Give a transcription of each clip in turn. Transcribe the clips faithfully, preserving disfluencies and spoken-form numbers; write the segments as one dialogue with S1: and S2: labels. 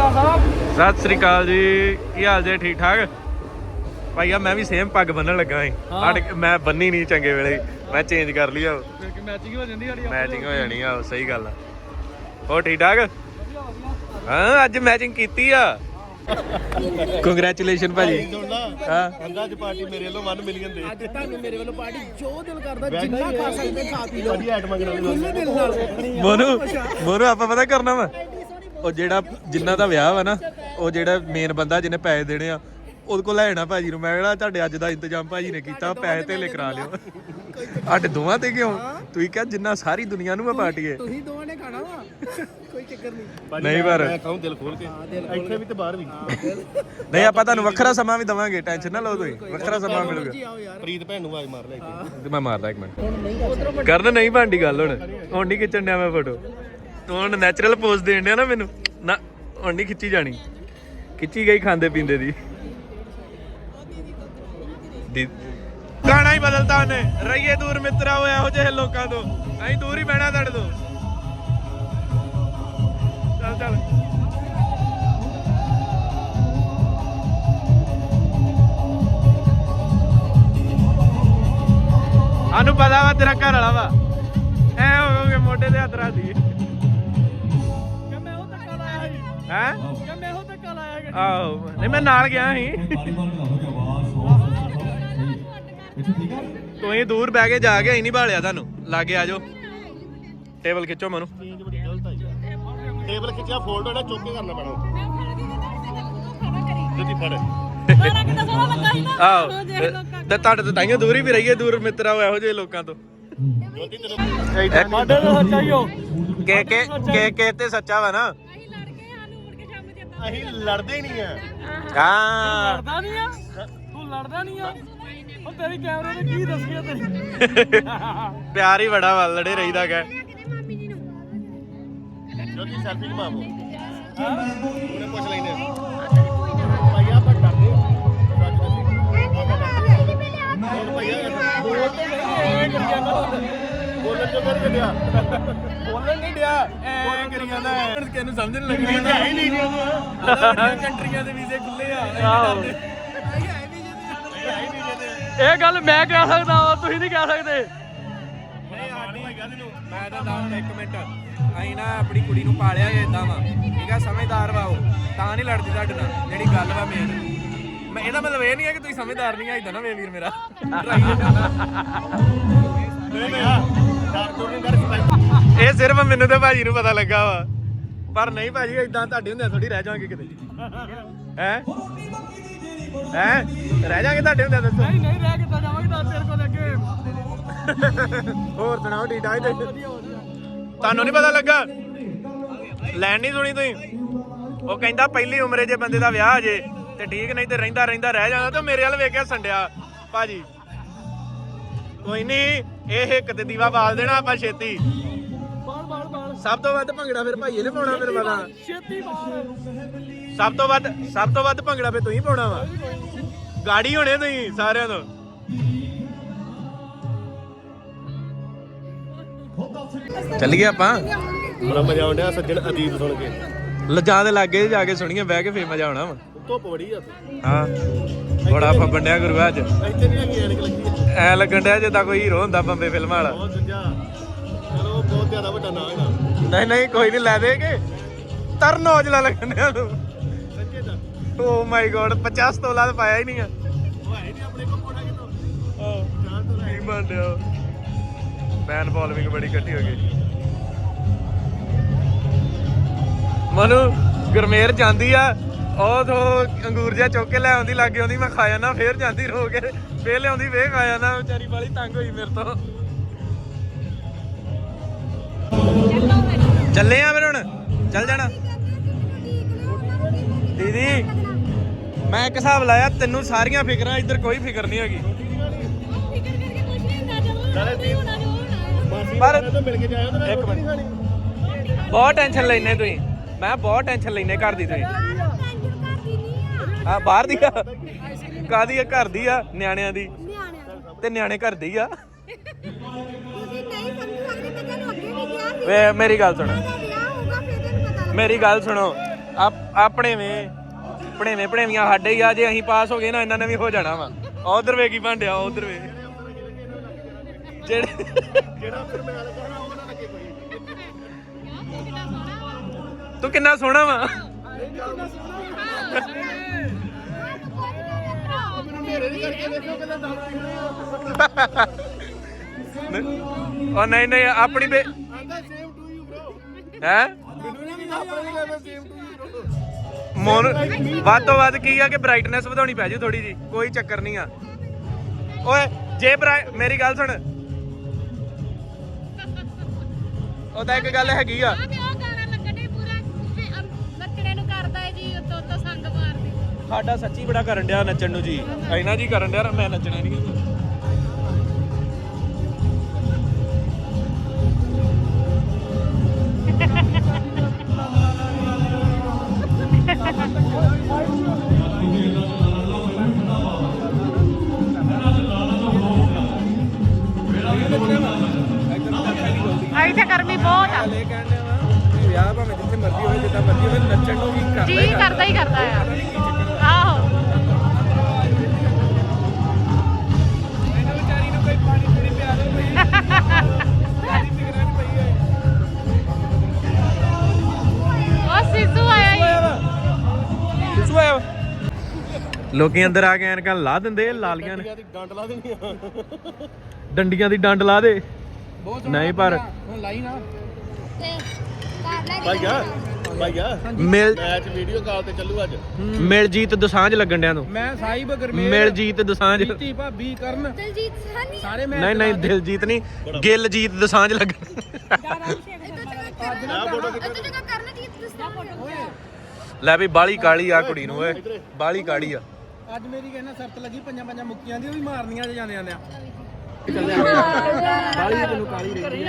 S1: सत श्री अकाल जी, की हाल जे? ठीक ठाक भाईया। मैं भी सेम पग बन्नन लगा सी। मैं बन्नी नहीं चंगे वेले, मैं चेंज कर लिया। मैचिंग हो जानी है। मैचिंग हो जानी है, सही गल है। हो ठीक ठाक? हाँ अज मैचिंग की आ। ਕੰਗ੍ਰੈਚੁਲੇਸ਼ਨ ਭਾਜੀ। ਹਾਂ ਅੱਜ ਪਾਰਟੀ ਮੇਰੇ ਵੱਲੋਂ ਇੱਕ ਮਿਲੀਅਨ ਦੇ। ਅੱਜ ਤੁਹਾਨੂੰ ਮੇਰੇ ਵੱਲੋਂ ਪਾਰਟੀ ਜੋ ਦਿਲ ਕਰਦਾ ਜਿੰਨਾ ਖਾ ਸਕਦੇ ਖਾ ਪੀ ਲਓ। ਵਧੀਆ ਆਈਟਮਾਂ ਕਰਾ ਲਓ ਖੁੱਲੇ ਦਿਲ ਨਾਲ। ਮੋਨੂ ਮੋਨੂ ਆਪਾਂ ਪਤਾ ਕਰਨਾ ਵਾ, ਉਹ ਜਿਹੜਾ ਜਿੰਨਾ ਦਾ ਵਿਆਹ ਵਾ ਨਾ, ਉਹ ਜਿਹੜਾ ਮੇਨ ਬੰਦਾ ਜਿਹਨੇ ਪੈਸੇ ਦੇਣੇ ਆ ਉਹਦੇ ਕੋਲ ਲੈ ਜਾਣਾ ਭਾਜੀ ਨੂੰ। ਮੈਂ ਕਿਹਾ ਤੁਹਾਡੇ ਅੱਜ ਦਾ ਇੰਤਜ਼ਾਮ ਭਾਜੀ ਨੇ ਕੀਤਾ, ਪੈਸੇ ਧੇਲੇ ਕਰਾ ਲਿਓ। ਸਾਡੇ ਦੋਵਾਂ ਤੇ ਕਿਉਂ? ਤੁਸੀਂ ਕਿਹਾ ਜਿੰਨਾ ਸਾਰੀ ਦੁਨੀਆ ਨੂੰ ਮੈਂ ਪਾਰਟੀ ਹੈ। ਤੁਸੀਂ ਦੋਵਾਂ ਨੇ ਖਾਣਾ ਵਾ, ਕੋਈ ਚੱਕਰ ਨਹੀਂ। ਨਹੀਂ ਪਰ ਮੈਂ ਕਹੂੰ ਦਿਲ ਖੋਲ ਕੇ, ਇੱਥੇ ਵੀ ਤੇ ਬਾਹਰ ਵੀ। ਨਹੀਂ ਆਪਾਂ ਤੁਹਾਨੂੰ ਵੱਖਰਾ ਸਮਾਂ ਵੀ ਦਵਾਂਗੇ, ਟੈਨਸ਼ਨ ਨਾ ਲਓ ਤੁਸੀਂ, ਵੱਖਰਾ ਸਮਾਂ ਮਿਲੂਗਾ। ਪ੍ਰੀਤ ਭੈਣ ਨੂੰ ਆਵਾਜ਼ ਮਾਰ ਲੈ ਇੱਥੇ। ਮੈਂ ਮਾਰਦਾ ਇੱਕ ਮਿੰਟ। ਕਰਨ ਨਹੀਂ ਭਾਂਡੀ ਗੱਲ ਹੁਣ ਹੁਣ ਨਹੀਂ ਖਿੱਚਣ ਡਿਆ ਮੈਂ ਫੋਟੋ। ਤੂੰ ਹੁਣ ਨੈਚੁਰਲ ਪੋਜ਼ ਦੇਣ ਡਿਆ ਨਾ ਮੈਨੂੰ, ਨਾ ਹੁਣ ਨਹੀਂ ਖਿੱਚੀ ਜਾਣੀ। ਖਿੱਚੀ ਗਈ ਖਾਂਦੇ ਪੀਂਦੇ ਦੀ। ਗਾਣਾ ਹੀ ਬਦਲਤਾ ਉਹਨੇ। ਰਹੀਏ ਦੂਰ ਮਿੱਤਰਾ ਹੋਇਆ ਇਹੋ ਜਿਹੇ ਲੋਕਾਂ ਤੋਂ, ਅਸੀਂ ਦੂਰ ਹੀ ਬਹਿਣਾ ਤੁਹਾਡੇ ਤੋਂ। ਚੱਲ ਚੱਲ ਸਾਨੂੰ ਪਤਾ ਵਾ ਤੇਰਾ ਘਰ ਵਾਲਾ ਵਾ, ਐ ਹੋਗੇ ਮੋਢੇ ਤੇ ਹੱਥ ਰੱਖਦੀ। ਹੈ ਆਹੋ ਨਹੀਂ ਮੈਂ ਨਾਲ ਗਿਆ ਸੀ। ਤੁਸੀਂ ਦੂਰ ਬਹਿ ਕੇ ਜਾ ਕੇ ਅਸੀਂ ਨਹੀਂ ਭਾਲਿਆ ਤੁਹਾਨੂੰ। ਲਾਗੇ ਆ ਜਾਓ, ਟੇਬਲ ਖਿੱਚੋ ਮਨੂੰ। ਟੇਬਲ ਖਿੱਚਿਆ ਫੋਲਡ ਹੋਣਾ, ਚੁੱਕ ਕੇ ਕਰਨਾ ਪੈਣਾ। ਜੁੱਤੀ ਫੜ। ਆਹੋ ਤੇ ਤੁਹਾਡੇ ਤੋਂ ਤਾਈਓ ਦੂਰ ਹੀ ਵੀ ਰਹੀਏ, ਦੂਰ ਮਿੱਤਰਾ ਇਹੋ ਜਿਹੇ ਲੋਕਾਂ ਤੋਂ। ਕੇ ਕੇ ਕੇ ਕੇ ਤੇ ਸੱਚਾ ਵਾ ਨਾ। ਅਸੀਂ ਲੜਦੇ ਨਹੀਂ ਆ। ਹਾਂ ਲੜਦਾ ਨਹੀਂ ਆ ਤੂੰ, ਲੜਦਾ ਨਹੀਂ ਆ। ਉਹ ਤੇਰੀ ਕੈਮਰੇ ਨੇ ਕੀ ਦੱਸਿਆ ਤੇਰੀ? ਪਿਆਰ ਹੀ ਬੜਾ ਵਾ, ਲੜੇ ਰਹੀਦਾ ਕਾ। ਜੋਤੀ ਸੈਲਫੀ ਲਵਾਵੋ। ਉਹਨੇ ਪੁੱਛ ਲੈਨੇ ਭਾਈਆ ਆਪਾਂ ਡਰਦੇ ਹੋਰ ਭਾਈਆ ਬੋਲ ਤੇ ਨਹੀਂ ਕਰੀ ਜਾਂਦਾ। ਬੋਲਣ ਤੋਂ ਕਰ ਗਿਆ, ਬੋਲਣ ਨਹੀਂ ਡਿਆ, ਐ ਕਰੀ ਜਾਂਦਾ। ਕਿਹਨੂੰ ਸਮਝ ਨਹੀਂ ਲੱਗਦੀ ਹੈ ਹੀ ਨਹੀਂ। ਬੜੀਆਂ ਕੰਟਰੀਆਂ ਦੇ ਵੀਜ਼ੇ ਖੁੱਲੇ ਆ। ਆਹੋ ਇਹ ਗੱਲ ਮੈਂ ਕਹਿ ਸਕਦਾ ਵਾ, ਤੁਸੀਂ ਨਹੀਂ ਕਹਿ ਸਕਦੇ। ਨਹੀਂ ਸਾਡੀ ਮੈਂ ਤਾਂ ਦੱਸ ਇੱਕ ਮਿੰਟ, ਅਸੀਂ ਨਾ ਆਪਣੀ ਕੁੜੀ ਨੂੰ ਪਾਲਿਆ ਏਦਾਂ ਵਾ, ਠੀਕ ਆ, ਸਮਝਦਾਰ ਵਾ ਉਹ, ਤਾਂ ਨਹੀਂ ਲੜਦੀ ਤੁਹਾਡੇ ਨਾਲ। ਜਿਹੜੀ ਗੱਲ ਵਾ ਮੇਨ, ਮੈਂ ਇਹਦਾ ਮਤਲਬ ਇਹ ਨਹੀਂ ਹੈ ਕਿ ਤੁਸੀਂ ਸਮਝਦਾਰ ਨਹੀਂ ਆ। ਏਦਾਂ ਨਾ ਵੇ ਵੀਰ ਮੇਰਾ। ਇਹ ਸਿਰਫ ਮੈਨੂੰ ਤੇ ਭਾਜੀ ਨੂੰ ਪਤਾ ਲੱਗਾ ਵਾ, ਪਰ ਨਹੀਂ ਭਾਜੀ ਏਦਾਂ ਤੁਹਾਡੇ ਹੁੰਦੇ ਥੋੜੀ ਰਹਿ ਜਾਵਾਂਗੇ ਕਿਤੇ। ਹੈ ਹੈ ਰਹਿ ਜਾਵਾਂਗੇ ਤੁਹਾਡੇ ਹੁੰਦੇ? ਦੱਸੋ। ਨਹੀਂ ਨਹੀਂ ਰਹਿ ਕਿੱਦਾਂ ਜਾਵਾਂਗੇ, ਤਾਂ ਤੇਰੇ ਕੋਲ ਅੱਗੇ। ਹੋਰ ਸੁਣਾਓ ਠੀਕ ਠਾਕ? ਤੁਹਾਨੂੰ ਨਹੀਂ ਪਤਾ ਲੱਗਾ? ਲੈਣ ਨਹੀਂ ਸੁਣੀ ਤੁਸੀਂ? ਉਹ ਕਹਿੰਦਾ ਪਹਿਲੀ ਉਮਰੇ ਜੇ ਬੰਦੇ ਦਾ ਵਿਆਹ ਜੇ ਤੇ ਠੀਕ, ਨਹੀਂ ਤੇ ਰਹਿੰਦਾ ਰਹਿੰਦਾ ਰਹਿ ਜਾਂਦਾ। ਤੇ ਮੇਰੇ ਵੱਲ ਵੇਖਿਆ ਸੰਡਿਆ ਭਾਜੀ। ਕੋਈ ਨਹੀਂ, ਇਹ ਇੱਕ ਤੇ ਦੀਵਾ ਬਾਲ ਦੇਣਾ ਆਪਾਂ ਛੇਤੀ। ਸਭ ਤੋਂ ਵੱਧ ਭੰਗੜਾ ਫਿਰ ਭਾਈਏ ਨੇ ਪਾਉਣਾ, ਫਿਰ ਪਤਾ। ਸਭ ਤੋਂ ਵੱਧ ਸਭ ਤੋਂ ਵੱਧ ਭੰਗੜਾ ਫਿਰ ਤੁਸੀਂ ਪਾਉਣਾ ਵਾ। ਗਾੜੀ ਹੋਣੇ ਤੁਸੀਂ ਸਾਰਿਆਂ ਤੋਂ। ਚੱਲੀਏ ਆਪਾਂ। ਬੜਾ ਮਜ਼ਾ ਆਉਂਦਾ ਸੱਜਣ ਅਦੀਬ ਸੁਣ ਕੇ। ਲੱਜਾਂ ਦੇ ਲਾਗੇ ਜਾ ਕੇ ਸੁਣੀਏ, ਬਹਿ ਕੇ ਫੇਰ ਮਜ਼ਾ ਆਉਣਾ ਵਾ। ਧੁੱਪ ਬੜੀ ਆ। ਹਾਂ ਬੜਾ ਫੱਬਣ ਡਿਆ ਗੁਰੂ ਅੱਜ। ਇੱਥੇ ਨਹੀਂ ਹੈਗੀ ਐਨਕ ਲੱਗੀ ਐ, ਲੱਗਣ ਡਿਆ ਜਿੱਦਾਂ ਕੋਈ ਹੀਰੋ ਹੁੰਦਾ ਬੰਬੇ ਫਿਲਮਾਂ ਵਾਲਾ। ਬਹੁਤ ਦੂਜਾ ਚਲੋ, ਬਹੁਤ ਜ਼ਿਆਦਾ ਵੱਡਾ ਨਾਂ ਹੈ। ਨਹੀਂ ਨਹੀਂ ਕੋਈ ਨਹੀਂ, ਲੈ ਦੇਗੇ। ਤਰਨ ਔਜਲਾ ਲੱਗਣ ਡਿਆ ਤੂੰ। ਸੱਚੇ ਦਾ? ਓ ਮਾਈ ਗੋਡ, ਪਚਾਸ ਤੋਲਾ ਤਾਂ ਪਾਇਆ ਹੀ ਨਹੀਂ ਆ। ਉਹ ਹੈ ਨਹੀਂ ਆਪਣੇ ਕੋਲ ਕੋਣਾ ਕਿਤੋਂ। ਹਾਂ ਚਾਰ ਤੋਲਾ ਹੀ ਬਣ ਡਿਆ। ਫੈਨ ਫੋਲੋਇੰਗ ਬੜੀ ਇਕੱਠੀ ਹੋ ਗਈ। ਮਨੂੰ ਗੁਰਮੇਰ ਜਾਂਦੀ ਆ, ਉਹ ਤੋਂ ਅੰਗੂਰ ਜਿਹਾ ਚੁੱਕ ਕੇ ਲੈ ਆਉਂਦੀ, ਲਾਗੇ ਆਉਂਦੀ, ਮੈਂ ਖਾ ਜਾਣਾ। ਫੇਰ ਜਾਂਦੀ ਰੋ ਕੇ, ਫੇਰ ਲਿਆਉਂਦੀ, ਫੇਰ ਖਾ ਜਾਣਾ। ਵਿਚਾਰੀ ਵਾਲੀ ਤੰਗ ਹੋਈ ਮੇਰੇ ਤੋਂ। ਚੱਲੇ ਆ ਫਿਰ ਹੁਣ, ਚੱਲ ਜਾਣਾ। ਦੀਦੀ ਮੈਂ ਇੱਕ ਹਿਸਾਬ ਲਾਇਆ, ਤੈਨੂੰ ਸਾਰੀਆਂ ਫਿਕਰਾਂ, ਇੱਧਰ ਕੋਈ ਫਿਕਰ ਨਹੀਂ ਹੈਗੀ। ਪਰ ਇੱਕ ਮਿੰਟ, ਬਹੁਤ ਟੈਨਸ਼ਨ ਲੈਨੇ ਤੁਸੀਂ। ਮੈਂ ਬਹੁਤ ਟੈਨਸ਼ਨ ਲੈਨੇ ਘਰ ਦੀ ਤੁਸੀਂ। ਹਾਂ ਬਾਹਰ ਦੀ ਆ, ਕਾਹਦੀ ਆ? ਘਰ ਦੀ ਆ, ਨਿਆਣਿਆਂ ਦੀ। ਤੇ ਨਿਆਣੇ ਘਰ ਦੇ ਹੀ ਆ। ਵੇ ਮੇਰੀ ਗੱਲ ਸੁਣੋ, ਮੇਰੀ ਗੱਲ ਸੁਣੋ। ਆਪਣੇ ਵੇ ਭਣੇਵੇਂ ਭਣੇਵੀਆਂ ਸਾਡੇ ਹੀ ਆ। ਜੇ ਅਸੀਂ ਪਾਸ ਹੋ ਗਏ ਨਾ ਇਹਨਾਂ ਨੇ ਵੀ ਹੋ ਜਾਣਾ ਵਾ। ਉਧਰ ਵੇ ਕੀ ਭਾਂਡਿਆ ਉਧਰ ਵੇ ਜਿਹੜੇ ਜਿਹੜਾ ਫਿਰ ਮੈਂ ਕਰਨਾ ਉਹ ਨਾ ਲੱਗੇ ਕੋਈ। ਤੂੰ ਕਿੰਨਾ ਸੋਹਣਾ ਵਾ। ਉਹ ਨਹੀਂ ਨਹੀਂ ਆਪਣੀ ਬੇ ਹੈ ਮੋਨ ਵੱਧ ਤੋਂ ਵੱਧ ਕੀ ਆ ਕਿ ਬ੍ਰਾਈਟਨੈਸ ਵਧਾਉਣੀ ਪੈ ਜੂ ਥੋੜੀ ਜੀ। ਕੋਈ ਚੱਕਰ ਨਹੀਂ ਆ। ਓਏ ਜੇ ਮੇਰੀ ਗੱਲ ਸੁਣ ਉਹਦਾ ਇੱਕ ਗੱਲ ਹੈਗੀ ਆ। ਸਾਡਾ ਸੱਚੀ ਬੜਾ ਕਰਨ ਡਿਆ ਨੱਚਣ ਨੂੰ ਜੀ। ਐਨਾ ਜੀ ਕਰਨ ਡਿਆ ਮੈਂ ਨੱਚਣਾ ਨਹੀਂ।
S2: ਆਈ ਤੇ ਗਰਮੀ ਬਹੁਤ ਆ।
S1: ਲੈ ਕਹਿੰਦੇ ਵਾ ਵਿਆਹ ਭਾਵੇਂ ਜਿੱਥੇ ਮਰਜ਼ੀ ਹੋਵੇ ਜਿੱਦਾਂ ਮਰਜ਼ੀ ਹੋਵੇ ਨੱਚਣ ਨੂੰ ਵੀ ਕਰਦਾ
S2: ਜੀ ਕਰਦਾ ਹੀ ਕਰਦਾ ਆ। ਆਹੋ
S1: ਮੈਨੂੰ ਵਿਚਾਰੀ ਨੂੰ ਕੋਈ ਪਾਣੀ ਪੂਰੀ ਪਿਆ ਦੋ ਕੋਈ ਸਾਡੀ ਫਿਕਰਾਂ ਨਹੀਂ ਪਈ ਹੈ।
S2: ਉਹ ਸਿੱਧੂ ਆਇਆ ਹੀ
S1: ਸਿੱਧੂ ਆਇਆ ਲੋਕੀ ਅੰਦਰ ਆ ਕੇ ਐਨਕਾਂ ਲਾ ਦਿੰਦੇ ਲਾਲੀਆਂ ਨੇ। ਡੰਡ ਲਾ ਦੇਣੀਆਂ ਡੰਡੀਆਂ ਦੀ ਡੰਡ ਲਾ ਦੇ ਨਹੀਂ ਪਰ ਹੁਣ ਲਾਈ ਨਾ ਭਾਈਆ ਭਾਈਆ ਮਿਲ ਮੈਚ ਵੀਡੀਓ ਕਾਲ ਤੇ ਚੱਲੂ ਅੱਜ। ਮਿਲਜੀਤ ਦੋਸਾਂਝ ਲੱਗਣ ਡਿਆਂ ਨੂੰ। ਮੈਂ ਸਾਹਿਬ ਗਰਮੇਲ ਮਿਲਜੀਤ ਦੋਸਾਂਝ ਜੀਤੀ ਭਾਬੀ ਕਰਨ ਦਿਲਜੀਤ ਸਾਨੀ ਸਾਰੇ ਮੈਂ ਨਹੀਂ ਨਹੀਂ ਦਿਲਜੀਤ ਨਹੀਂ ਗਿਲਜੀਤ ਦੋਸਾਂਝ ਲੱਗਣ। ਲੈ ਵੀ ਬਾਲੀ ਕਾਲੀ ਆ ਕੁੜੀ ਨੂੰ ਓਏ ਬਾਲੀ ਕਾਲੀ ਆ। ਅੱਜ ਮੇਰੀ ਕਹਿੰਦਾ ਸ਼ਰਤ ਲੱਗੀ ਪੰਜਾਂ ਪੰਜਾਂ ਮੁੱਕੀਆਂ ਦੀ ਉਹ ਵੀ ਮਾਰਨੀਆਂ ਜੇ ਜਾਂਦੇ ਜਾਂਦੇ ਆ। ਬਾਲੀ ਤੈਨੂੰ ਕਾਲੀ ਰਹੀ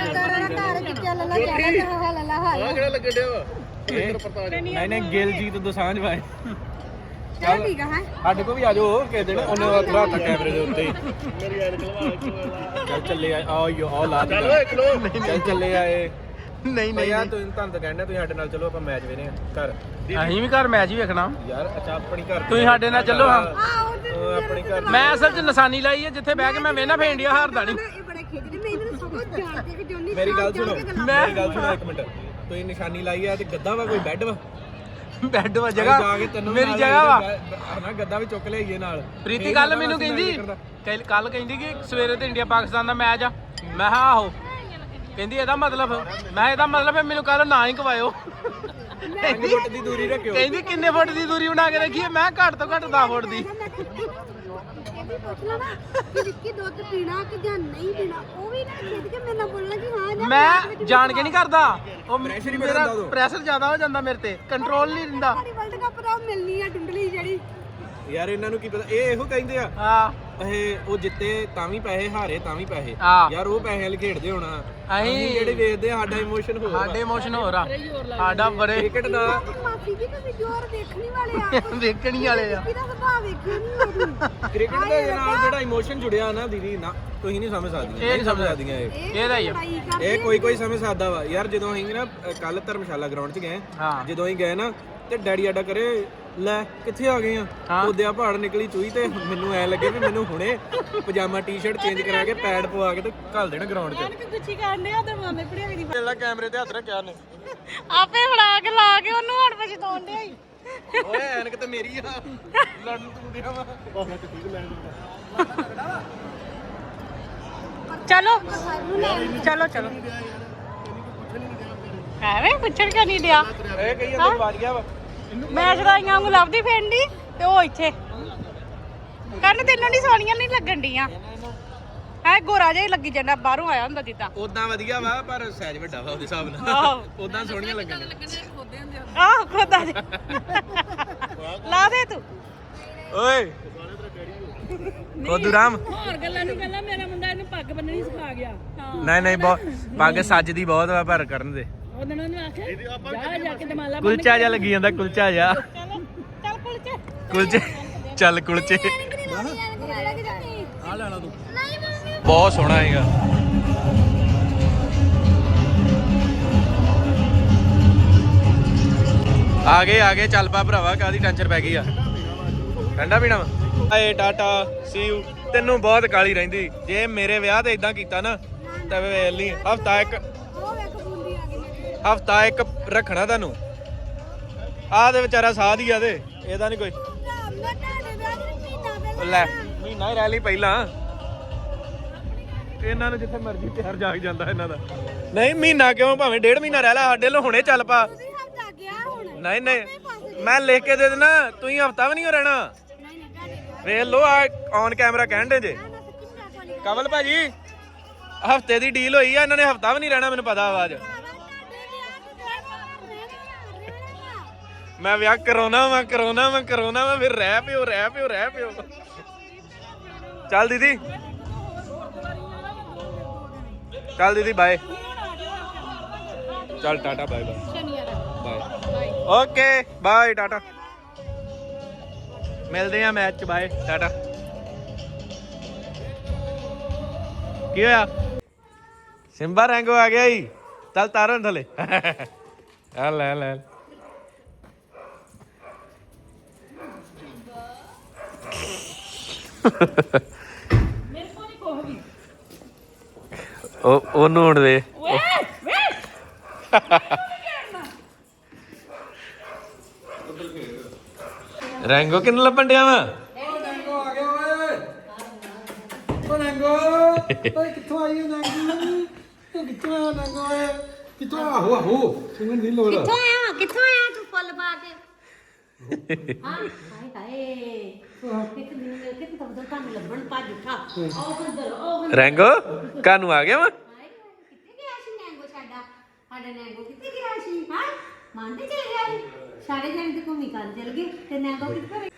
S1: ਨਹੀਂ ਨਹੀਂ ਗਿਲਜੀਤ ਦੋਸਾਂਝ ਭਾਈ ਚੱਲ ਠੀਕ ਆ ਹੈ ਸਾਡੇ ਕੋ ਵੀ ਆ ਜਾਓ ਕਿਸੇ ਦਿਨ ਉਹਨੇ ਰੱਖਾ ਕੈਮਰੇ ਦੇ ਉੱਤੇ ਮੇਰੀ ਐਨਕ ਲਵਾ ਚੱਲ ਚੱਲੇ ਆ ਆਓ ਆਓ ਲਾ ਦੇ ਚੱਲ ਚੱਲੇ ਆਏ ਨਹੀਂ ਨਹੀਂ ਯਾਰ ਤੁਸੀਂ ਤੁਹਾਨੂੰ ਤਾਂ ਕਹਿੰਦੇ ਤੁਸੀਂ ਸਾਡੇ ਨਾਲ ਚਲੋ ਆਪਾਂ ਮੈਚ ਵੇਖਨੇ ਘਰ ਅਸੀਂ ਵੀ ਘਰ ਮੈਚ ਹੀ ਵੇਖਣਾ ਯਾਰ। ਅੱਛਾ ਆਪਣੀ ਘਰ ਤੁਸੀਂ ਸਾਡੇ ਨਾਲ ਚੱਲੋ ਹਾਂ ਆਪਣੀ ਘਰ। ਮੈਂ ਅਸਲ 'ਚ ਨਿਸ਼ਾਨੀ ਲਾਈ ਹੈ ਜਿੱਥੇ ਬਹਿ ਕੇ ਮੈਂ ਵੇਖਣਾ ਫੇਰ ਇੰਡੀਆ ਹਾਰਦਾ ਨਹੀਂ। ਮੇਰੀ ਗੱਲ ਸੁਣੋ ਮੇਰੀ ਗੱਲ ਸੁਣੋ ਇੱਕ ਮਿੰਟ। ਤੁਸੀਂ ਨਿਸ਼ਾਨੀ ਲਾਈ ਹੈ ਤੇ ਗੱਦਾ ਵਾ ਕੋਈ ਬੈੱਡ ਵਾ ਬੈੱਡ ਵਾ ਜਗ੍ਹਾ ਮੇਰੀ ਜਗ੍ਹਾ ਵਾ ਨਾ ਗੱਦਾ ਵੀ ਚੁੱਕ ਲਿਆਈਏ ਨਾਲ। ਪ੍ਰੀਤੀ ਕੱਲ ਮੈਨੂੰ ਕਹਿੰਦੀ ਕੱਲ ਕਹਿੰਦੀ ਕਿ ਸਵੇਰੇ ਤੇ ਇੰਡੀਆ ਪਾਕਿਸਤਾਨ ਦਾ ਮੈਚ ਆ। ਮੈਂ ਹਾਂ ਆਹੋ ਕਹਿੰਦੀ ਇਹਦਾ ਮਤਲਬ ਮੈਂ ਇਹਦਾ ਮਤਲਬ ਮੈਨੂੰ ਕੱਲ ਨਾ ਹੀ ਕਵਾਇਓ। ਕਹਿੰਦੀ ਫੁੱਟ ਦੀ ਦੂਰੀ ਰੱਖਿਓ। ਕਹਿੰਦੀ ਕਿੰਨੇ ਫੁੱਟ ਦੀ ਦੂਰੀ ਬਣਾ ਕੇ ਰੱਖੀਏ। ਮੈਂ ਘੱਟ ਤੋਂ ਘੱਟ ਦਸ ਫੁੱਟ ਦੀ। ਮੈਂ ਜਾਣ ਕੇ ਨਹੀਂ ਕਰਦਾ ਉਹ ਮੇਰਾ ਪ੍ਰੈਸ਼ਰ ਜ਼ਿਆਦਾ ਹੋ ਜਾਂਦਾ ਮੇਰੇ ਤੇ ਕੰਟਰੋਲ ਨਹੀਂ ਰਹਿੰਦਾ। ਯਾਰ ਇਹਨਾਂ ਨੂੰ ਕੀ ਪਤਾ ਇਹ ਇਹੋ ਕਹਿੰਦੇ ਆ ਹਾਂ ਇਹ ਉਹ ਜਿੱਤੇ ਤਾਂ ਵੀ ਪੈਸੇ ਹਾਰੇ ਤਾਂ ਵੀ ਪੈਸੇ ਯਾਰ ਉਹ ਪੈਸੇ ਵਾਲੇ ਖੇਡਦੇ ਹੋਣਾ। ਅਸੀਂ ਜਿਹੜੇ ਵੇਚਦੇ ਆ ਸਾਡਾ ਇਮੋਸ਼ਨ ਹੋਰ ਸਾਡੇ ਇਮੋਸ਼ਨ ਹੋਰ ਆ ਸਾਡਾ ਬੜੇ ਕ੍ਰਿਕਟ ਦਾ ਦੇਖਣੀ ਵਾਲੇ ਆ ਕ੍ਰਿਕਟ ਦੇ ਨਾਲ ਜਿਹੜਾ ਇਮੋਸ਼ਨ ਜੁੜਿਆ ਨਾ ਦੀਦੀ ਨਾ ਤੁਸੀਂ ਨਹੀਂ ਸਮਝ ਸਕਦੀਆਂ। ਇਹ ਨਹੀਂ ਸਮਝ ਸਕਦੀਆਂ ਇਹ ਇਹਦਾ ਹੀ ਆ ਇਹ ਕੋਈ ਕੋਈ ਸਮਝ ਸਕਦਾ ਵਾ ਯਾਰ। ਜਦੋਂ ਅਸੀਂ ਨਾ ਕੱਲ ਧਰਮਸ਼ਾਲਾ ਗਰਾਊਂਡ 'ਚ ਗਏ ਜਦੋਂ ਅਸੀਂ ਗਏ ਨਾ ਤੇ ਡੈਡੀ ਆਡਾ ਕਰੇ ਲੈ ਕਿੱਥੇ ਆ ਗਏ ਆ ਉਹਦਿਆ ਪਹਾੜ ਨਿਕਲੀ ਚੂਈ ਤੇ ਮੈਨੂੰ ਐ ਲੱਗੇ ਵੀ ਮੈਨੂੰ ਹੁਣੇ ਪਜਾਮਾ ਟੀ-ਸ਼ਰਟ ਚੇਂਜ ਕਰਾ ਕੇ ਪੈਡ ਪਵਾ ਕੇ ਤੇ ਘੱਲ ਦੇਣਾ ਗਰਾਊਂਡ 'ਚ। ਐਨਕ ਗੁੱਛੀ ਕਰਨੇ ਆ ਤੇ ਮਾਮੇ ਪੜਿਆ ਵੀ ਨਹੀਂ ਪਹਿਲਾਂ ਕੈਮਰੇ ਤੇ ਹੱਥ ਰੱਖਿਆ ਨੇ
S2: ਆਪੇ ਫੜਾ ਕੇ ਲਾ ਕੇ ਉਹਨੂੰ ਹਣ ਪਛ ਤੋੜ ਡਿਆ ਈ।
S1: ਓਏ ਐਨਕ ਤੇ ਮੇਰੀ ਆ ਲੜਨ ਤੂੰ ਦਿਆ ਵਾ ਬਾਹਰ ਤੇ ਠੀਕ ਲੈਣ
S2: ਚਲੋ ਚਲੋ ਚਲੋ ਐਵੇਂ ਪੁੱਛਣ ਕਿਉਂ ਨਹੀਂ ਡਿਆ।
S1: ਇਹ ਕਈ ਅੰਦਰ ਵੱਜ ਗਿਆ ਵਾ
S2: ਮੈਂ ਸ਼ਰਾਈਆਂ ਵਾਂਗੂ ਲੱਭਦੀ ਫੈਂਡੀ ਤੇ ਉਹ ਇੱਥੇ ਕੰਨ ਤੈਨੂੰ ਨਹੀਂ ਸੋਹਣੀਆਂ ਨਹੀਂ ਲੱਗਣ ਡੀਆਂ ਹੈ ਗੋਰਾ ਜਿਹਾ ਹੀ ਲੱਗੀ ਜਾਂਦਾ ਬਾਹਰੋਂ ਆਇਆ ਹੁੰਦਾ ਜਿੱਦਾਂ
S1: ਉਦਾਂ ਵਧੀਆ ਵਾ ਪਰ ਸਾਈਜ਼ ਵੱਡਾ ਵਾ ਉਹਦੇ ਹਿਸਾਬ ਨਾਲ ਉਦਾਂ ਸੋਹਣੀਆਂ ਲੱਗਣ
S2: ਆਹ ਖੋਦਾ ਜਿਹਾ ਲਾ ਦੇ ਤੂੰ
S1: ਓਏ ਖੋਦੂ ਰਾਮ
S2: ਹੋਰ ਗੱਲਾਂ ਨਹੀਂ ਗੱਲਾਂ ਮੇਰਾ ਮੁੰਡਾ ਇਹਨੂੰ ਪੱਗ ਬੰਨਣੀ ਸਿਖਾ ਗਿਆ
S1: ਨਹੀਂ ਨਹੀਂ ਬਹੁਤ ਪੱਗ ਸੱਜਦੀ ਬਹੁਤ ਵਾ ਪਰ ਕਰਨ ਦੇ
S2: ਉਹਨਾਂ ਨੂੰ ਆਖਿਆ ਜਾ ਜਾ ਕੇ ਦਮਾਲਾ
S1: ਕੁਲਚਾ ਜਿਹਾ ਲੱਗੀ ਜਾਂਦਾ ਕੁਲਚਾ ਜਿਹਾ
S2: ਚੱਲ ਚੱਲ ਕੁਲਚੇ
S1: ਕੁਲਚੇ ਚੱਲ ਕੁਲਚੇ ਆ ਲੈਣਾ ਤੂੰ ਬਹੁਤ ਸੋਹਣਾ ਹੈਗਾ। ਆ ਗਏ ਆ ਗਏ ਚੱਲ ਪਾ ਭਰਾਵਾ ਕਾਦੀ ਟੈਨਸ਼ਨ ਪੈ ਗਈ ਆ ਠੰਡਾ ਪੀਣਾ ਵਾ ਏ ਟਾਟਾ ਸੀ ਯੂ ਤੈਨੂੰ ਬਹੁਤ ਕਾਲੀ ਰਹਿੰਦੀ ਜੇ ਮੇਰੇ ਵਿਆਹ ਤੇ ਇਦਾਂ ਕੀਤਾ ਨਾ ਤਾਂ ਵੇਖ ਲਈ ਹਫਤਾ ਇੱਕ ਹਫਤਾ ਇੱਕ ਰੱਖਣਾ ਤੁਹਾਨੂੰ ਆਹ ਦੇ ਵਿਚਾਰਾ ਸਾਧ ਹੀ ਆ ਤੇ ਇਹਦਾ ਨਹੀਂ ਕੋਈ ਲੈ ਮਹੀਨਾ ਹੀ ਰਹਿ ਲਈ ਪਹਿਲਾਂ ਇਹਨਾਂ ਨੂੰ ਜਿੱਥੇ ਮਰਜ਼ੀ ਤਿਆਰ ਜਾ ਜਾਂਦਾ ਇਹਨਾਂ ਦਾ ਨਹੀਂ ਮਹੀਨਾ ਕਿਉਂ ਭਾਵੇਂ ਡੇਢ ਮਹੀਨਾ ਰਹਿ ਲੈ ਸਾਡੇ ਲੋ ਹੁਣੇ ਚੱਲ ਪਾ ਨਹੀਂ ਨਹੀਂ ਮੈਂ ਲਿਖ ਕੇ ਦੇ ਦੇਣਾ ਤੁਸੀਂ ਹਫਤਾ ਵੀ ਨਹੀਂ ਹੋ ਰਹਿਣਾ ਵੇਖ ਲੋ ਆ ਔਨ ਕੈਮਰਾ ਕਹਿਣ ਦੇ ਜੇ ਕਮਲ ਭਾਜੀ ਹਫਤੇ ਦੀ ਡੀਲ ਹੋਈ ਆ ਇਹਨਾਂ ਨੇ ਹਫਤਾ ਵੀ ਨਹੀਂ ਰਹਿਣਾ ਮੈਨੂੰ ਪਤਾ ਆਵਾਜ਼ ਮੈਂ ਵਿਆਹ ਕਰਾਉਣਾ ਮੈਂ ਕਰਾਉਣਾ ਮੈਂ ਕਰਾਉਣਾ ਮੈਂ ਫਿਰ ਰਹਿ ਪਿਓ ਰਹਿ ਪਿਓ ਰਹਿ ਪਿਓ ਚੱਲ ਦੀਦੀ ਚੱਲ ਦੀਦੀ ਬਾਏ ਚੱਲ tata bye bye bye okay bye tata ਮਿਲਦੇ ਆ ਮੈਚ ਚ ਬਾਏ ਟਾਟਾ ਕੀ ਹੋਇਆ ਸਿੰਬਾ ਰੈਂਗੋ ਆ ਗਿਆ ਈ ਚੱਲ ਤਾਰਨ ਥਲੇ ਆ ਲੈ ਲੈ
S2: ਮੇਰੇ ਕੋਲ ਨਹੀਂ ਕੋਹ ਵੀ
S1: ਉਹ ਉਹਨੂੰ ਹੁਣ ਦੇ
S2: ਵੇ ਵੇ
S1: ਰੈਂਗੋ ਕਿੰਨ ਲੱਭਣ ਡਿਆ ਵਾ
S3: ਓ ਨੰਗੋ ਆ ਗਿਆ ਓਏ ਓ ਨੰਗੋ ਓਏ ਕਿੱਥੋਂ ਆਈ ਓ ਨੰਗੋ ਤੂੰ ਕਿੱਥੋਂ ਆਇਆ ਨੰਗੋ ਓਏ ਕਿੱਥੋਂ ਆਹੋ ਆਹੋ ਸੁਣਨ ਦੀ ਲੋੜ
S2: ਕਿੱਥੋਂ ਆਇਆ ਕਿੱਥੋਂ ਆਇਆ ਤੂੰ ਫੁੱਲ ਪਾ ਕੇ ਹਾਂ ਹਾਏ ਹਾਏ ਕਿਤੇ ਮੈਨੂੰ ਮਿਲ ਕੇ ਤੂੰ ਤਾਂ ਤੁਹਾਨੂੰ ਲੱਭਣ ਭੱਜ ਉੱਠਾ ਉਹ ਕੰਦਰ ਉਹ
S1: ਰੈਂਗੋ ਕਾਨੂੰ ਆ ਗਿਆ ਵਾ
S2: ਹਾਏ ਕਿੱਥੇ ਗਿਆ ਸੀ ਨੈਂਗੋ ਸਾਡਾ ਸਾਡਾ ਨੈਂਗੋ ਕਿੱਥੇ ਗਿਆ ਸੀ ਹਾਂ ਮੰਨਦੇ ਚਲ ਗਿਆ ਸੀ ਸਾਰੇ ਜਣੇ ਤੇ ਘੁੰਮੀ ਕਰ ਚਲ ਗਏ ਤੇ ਨੈਂਗੋ ਕਿੱਥੇ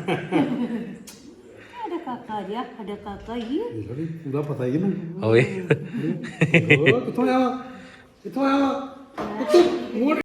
S2: ਸਾਡਾ ਕਾਕਾ ਜਿਹਾ ਸਾਡਾ ਕਾਕਾ ਹੀ
S3: ਥੋੜੀ ਪੂਰਾ ਪਤਾ ਹੀ ਇਹਨੂੰ
S1: ਓਏ
S3: ਓ ਕਿੱਥੋਂ ਆਇਆ ਕਿੱਥੋਂ ਆਇਆ